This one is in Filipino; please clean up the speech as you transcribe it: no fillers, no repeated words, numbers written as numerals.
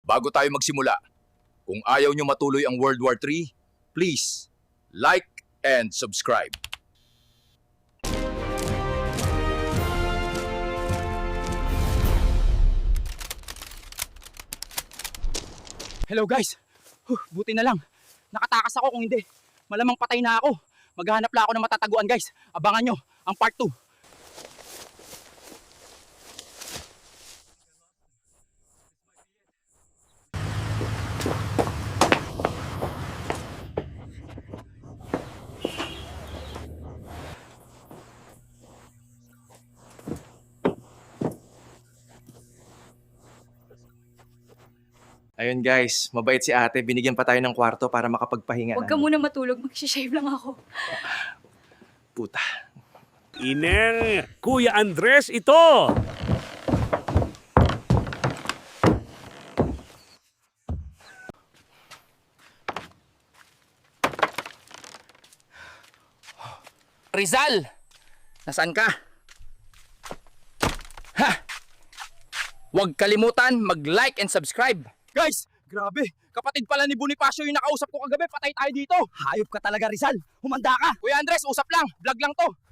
Bago tayo magsimula, kung ayaw nyo matuloy ang World War III, please like and subscribe. Hello guys! Buti na lang. Nakatakas ako, kung hindi, malamang patay na ako. Maghahanap lang ako ng matataguan guys. Abangan nyo ang part 2. Ayun guys, mabait si ate. Binigyan pa tayo ng kwarto para makapagpahinga. Huwag ka muna matulog, mag-shave lang ako. Puta. Iner, Kuya Andres ito! Rizal! Nasaan ka? Ha! Huwag kalimutan mag-like and subscribe. Guys, grabe. Kapatid pala ni Bonifacio yung nakausap ko kagabi. Patay tayo dito. Hayop ka talaga, Rizal. Humanda ka. Kuya Andres, usap lang. Vlog lang to.